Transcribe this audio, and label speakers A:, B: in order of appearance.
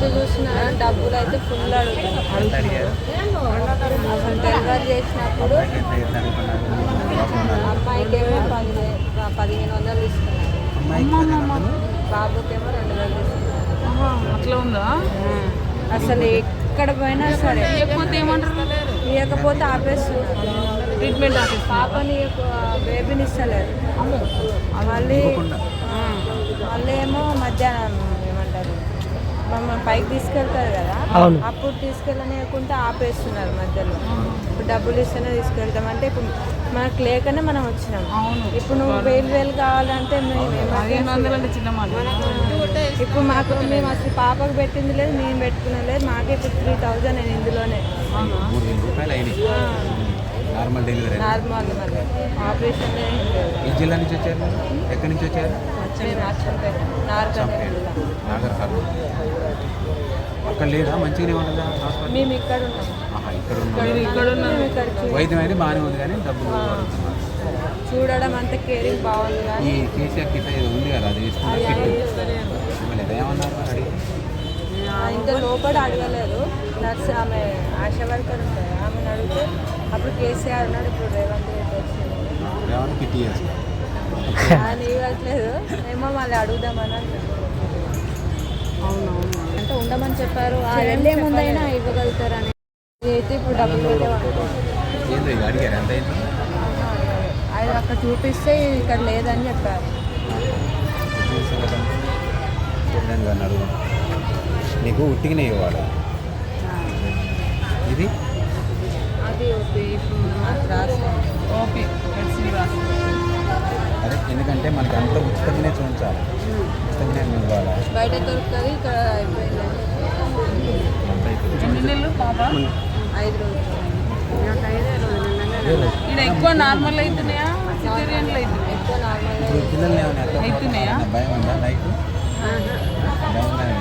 A: ఎంత చూసినా డబ్బులు అయితే ఫుల్ అడుగుతున్నారు. అసలు డెలివరీ చేసినప్పుడు అమ్మాయికేమో 1500 తీసుకున్నారు, బాబుకేమో 2000 తీసుకున్నారు.
B: అట్లా ఉందా?
A: అసలు ఎక్కడ పోయినా సరే ఇవ్వకపోతే ఆపేస్తున్నారు
B: ట్రీట్మెంట్.
A: పాపని బేబీని ఇస్తలేదు. మళ్ళీ ఏమో మధ్యాహ్నం ఏమంటారు మమ్మల్ని పైకి తీసుకెళ్తారు కదా, అప్పుడు తీసుకెళ్ళనియకుండా ఆపేస్తున్నారు మధ్యలో. ఇప్పుడు డబ్బులు ఇస్తేనే తీసుకెళ్తామంటే ఇప్పుడు మనకు లేకనే మనం వచ్చినాం. ఇప్పుడు నువ్వు 1000 కావాలంటే ఇప్పుడు మాకు మేము అసలు పాపకు పెట్టింది లేదు, మేము పెట్టుకునేది లేదు. మాకే ఇప్పుడు 3000 నేను ఇందులోనే
C: నార్మల్ డెలివరీ.
A: నార్మల్ మళ్ళీ ఆపరేషన్
C: ఏ జిల్లా నుంచి వచ్చారు? ఎక్కడి నుంచి వచ్చారు? అక్కడ లేదా మంచిగానే ఉండదా హాస్పిటల్?
A: మేము ఇక్కడ ఉన్నాం.
C: ఇక్కడ వైద్యం అయితే బాగానే ఉంది కానీ డబ్బులు
A: చూడడం అంత కేరింగ్ బాగుంది. కానీ
C: ఈ కేసీఆర్ కిట్ ఏదో ఉంది కదా, అది తీసుకుంటే ఏమన్నారు అడిగి?
A: ఇంకా లోపల అడగలేదు. నర్స్ ఆమె ఆశా వర్కర్ ఉంటుంది, ఆమెను అడిగితే అప్పుడు కేసీఆర్ ఉన్నాడు, ఇప్పుడు రేవంత్
C: కిట్
A: ఆయన ఇవ్వట్లేదు. ఏమో మళ్ళీ అడుగుదామని అంటున్నారు.
B: అవునవును
A: అంటే ఉండమని చెప్పారు, వెళ్ళే ముందైనా ఇవ్వగలుగుతారని. అయితే ఇప్పుడు డబ్బులు
C: అడిగారు ఎంత
A: ఆయన అక్కడ చూపిస్తే ఇక్కడ లేదని చెప్పారు.
C: అడుగు నీకు ఉట్టిగానే ఇవ్వాలి. ఇది
A: అది ఇప్పుడు
B: ఓపీ
C: అదే ఎందుకంటే మనకి అంతా ఉచితంగానే చూపించాలి, ఉచితంగానే ఇవ్వాలి.
A: బయట దొరుకుతుంది, ఇక్కడ అయిపోయిందండి.
B: ఎన్ని నెలలు పాప?
A: 5 రోజులు.
B: ఇక్కడ ఎక్కువ నార్మల్ అవుతున్నాయా, సిజేరియన్లు అవుతున్నాయా?
A: ఎక్కువ నార్మల్
C: పిల్లల్ని ఏమైనా
B: అవుతున్నాయా?
C: భయం ఉందా? నైట్ భయం